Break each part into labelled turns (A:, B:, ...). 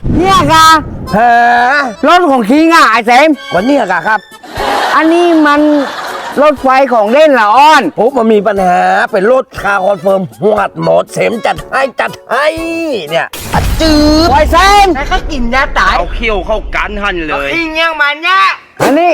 A: เนี่ยกะ
B: ฮะ
A: รถของคิงอ่ะไอ้เสม
B: วันนี้กะครับ
A: อันนี้มันรถไฟของเล่นละอ้อน
B: โอ้มันมีปัญหาเป็นรถคาร์คอนเฟิร์มหวดหมดเสมจัดให้เนี่ยอะจืด
A: ไอ้เสม
C: แล้วก็กินยาตาย
D: เอาเขี้ยวเข้ากันหันเลย
C: อิงยังมันเนี่ย
A: อันนี้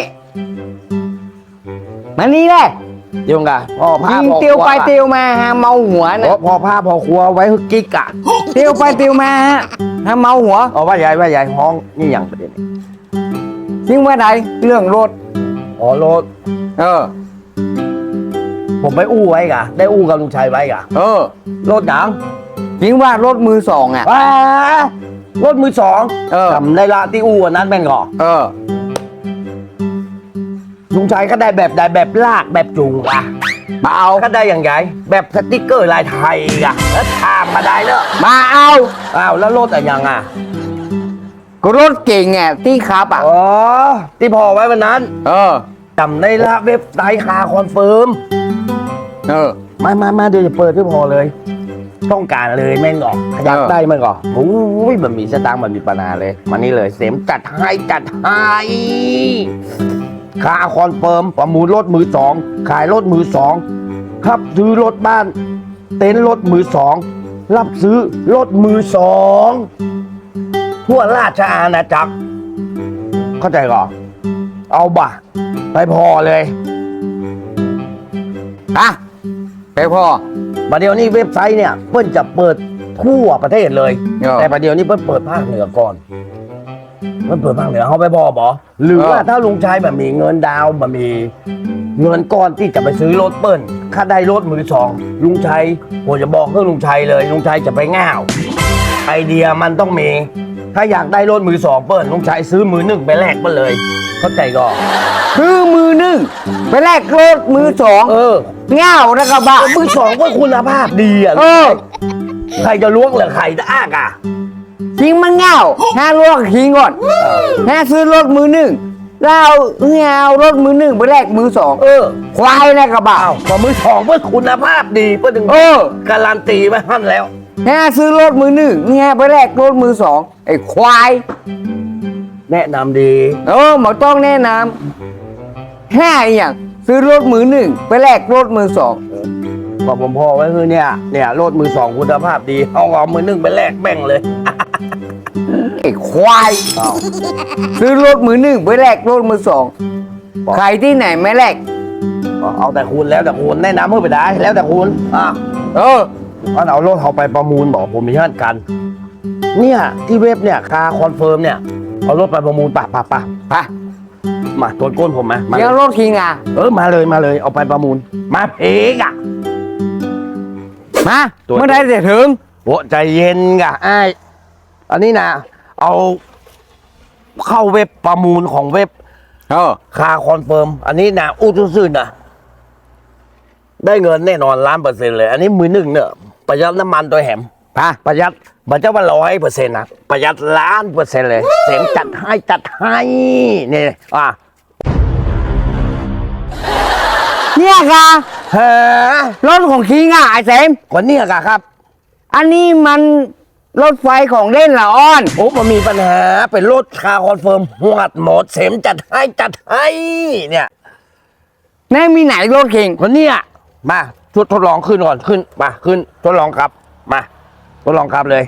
A: มันนี่แหละ
B: เดี๋ยวกะพ่อพา
A: ยิง
B: พ่อ
A: เตียว
B: ครั
A: ไปเตียวมาฮะเมาหัวนะ
B: พอพาพ่อครัวไว้ให้กิ๊กอะ
A: เตียวไปเตียวมาฮะเมาหัว
B: เอาว่าใหญ่ห้องนี่อย่างประเด็น
A: ยิงว่าใดเรื่องรถ
B: อ๋อรถ
A: เออ
B: ผมไปอู้ไว้กะได้อู้กับลุงชัยไว้กะ
A: เออ
B: รถหนัง
A: ยิงว่ารถมือสองอ่ะ
B: ว้ารถมือสอง
A: เออ
B: จำได้ละที่อู้อันนั้นแม่งก่อ
A: เออ
B: ลุงชัยก็ได้แบบลากแบบจูงอะ
A: มาเอา
B: ก็ได้อย่างไงแบบสติ๊กเกอร์ลายไทยอะแล้วทามมาได้เนอะ
A: มาเอา
B: อ้าวแล้วรถอะยังอะ
A: ก็รถเก่งอ่ะที่ขับอ่ะ
B: อ๋อที่พอไว้วันนั้น
A: เออ
B: จำได้ละเว็บไซต์คาคอนเฟิร์ม
A: เออ
B: มาเดี๋ยวจะเปิดที่พอเลย ต้องการเลยแม่งก่อนอยากได้แม่งก่อนโอ้ยมันมีสตางค์มันมีปัญหาเลยมานี่เลยเสมจัดให้คาคอนเฟิร์มประมูลรถมือสองขายรถมือสองครับซื้อรถบ้าน เต็นท์รถมือสองรับซื้อรถมือสองทั่วราชอาณาจักรเข้าใจก่อนเอาบ่ะไปพอเลย
A: อ่ะไปพ่อ
B: ประเดี๋ยวนี้เว็บไซต์เนี่ยเพิ่นจะเปิดทั่วประเทศเลย
A: เออ
B: แต่ประเดี๋ยวนี้เพิ่นเปิดภาคเหนือก่อนเพิ่นเปิดภาคเหนือเขาไปบอบอหรือว่าถ้าลุงชายแบบมีเงินดาวน์แบบมีเงินก้อนที่จะไปซื้อรถเปิ้ลถ้าได้รถมือสองลุงชัยผมจะบอกเรื่องลุงชัยเลยลุงชัยจะไปง่าวไอเดียมันต้องมี ถ้าอยากได้รถมือสองเปิ้ลลุงชัยซื้อมือหนึ่งไปแลกมาเลยเข้าใจก่อน
A: คือมือหนึ่งไปแลกรถมือสอง เง่านะกระบะ
B: มือสองก็คุณภาพดีอ่ะ
A: เออ
B: ใครจะล้วงหรือใครจะอ้ากอ่ะ
A: จริงมันเง่าห้าลวกทิ้งก่อนห้าซื้อรถมือหนึ่งแล้วเอารถมือหนึ่งไปแลกมือสองควายนะกระบะ
B: อ้าวพอมือสองเพื่อคุณภาพดีเพื่อถึง
A: เออ
B: การันตีไว้ท่านแล้ว
A: ห้าซื้อรถมือหนึ่งไปแลกรถมือสองไอ้ควาย
B: แนะนำดี
A: หมอต้องแนะนำห้าอย่างซื้อรถมือหนึ่งไปแลกรถมือสอง
B: พอผมพอไว้คือเนี่ยรถมือสองคุณภาพดีเอามือหนึ่งไปแลกแบ่งเลย
A: ไอ้ควายซื้อรถมือหนึ่งไปแลกรถมือสองใครที่ไหนไม่แลก
B: เอาแต่คุณแล้วแต่คุณแนะนำเพื่อไปได้แล้วแต่คุณเอารถเขาไปประมูลบอกผมมีเงื่อนกัน เนี่ยที่เว็บเนี่ยคาคอนเฟิร์มเนี่ยเอารถไปประมูลปะมาตัวก้นผมมา
A: เดี๋ยวรถคิงอ่ะ
B: มาเลยเอาไปประมูลมาเพกอ่ะ
A: มา
B: ตัว
A: เมื่อไหรจะถึง
B: โอ้ใจเย็นกะไอ้อันนี้นะเอาเข้าเว็บประมูลของเว็บคาคอนเฟิร์มอันนี้นะอู้ซื่อๆนะได้เงินแน่นอน1,000,000%เลย อันนี้มือหนึ่งเนี่ยประหยัดน้ำมันตัวแหมประหยัดมันจะว่า100%นะประหยัด1,000,000%เลยเสียงจัดให้นี่
A: เนี่ยค่ะ
B: ฮะ
A: รถของคิงอ่ะไอ้เสม
B: วันนี้กะครับ
A: อันนี้มันรถไฟของเล่นละอ้อน
B: โอ้มันมีปัญหาเป็นรถคาคอนเฟิร์มหวดหมดเสียงจัดให้เนี่ย
A: แน่มีไหนรถคิง
B: วันนี้มาทดลองขึ้นก่อนขึ้นมาขึ้นทดลองครับมาทดลองครับเลย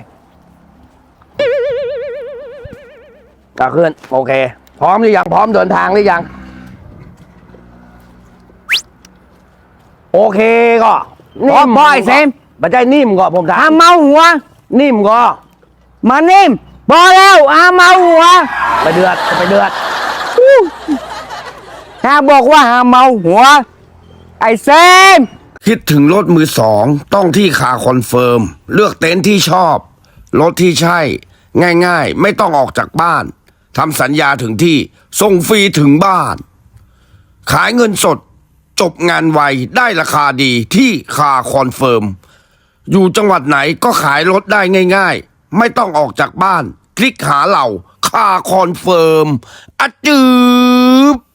B: ขึ้นโอเคพร้อมหรือยังพร้อมเดินทางหรือยังโอเคก็
A: พอไอ้เสม
B: บัจจัยนิ่มก็ผมถา
A: อาม เมาหัว
B: นิ่มก็
A: มานิ่มพอแล้วเมาหัว
B: ไปเดือด
A: ถ้าบอกว่าเมาหัว ไอ้เซม
E: คิดถึงรถมือสองต้องที่คาคอนเฟิร์มเลือกเต็นท์ที่ชอบ รถที่ใช่ ง่ายๆ ไม่ต้องออกจากบ้านทำสัญญาถึงที่ส่งฟรีถึงบ้าน ขายเงินสด จบงานไวได้ราคาดีที่คาคอนเฟิร์มอยู่จังหวัดไหนก็ขายรถได้ง่ายๆ ไม่ต้องออกจากบ้าน คลิกหาเราคาคอนเฟิร์มอะจืบ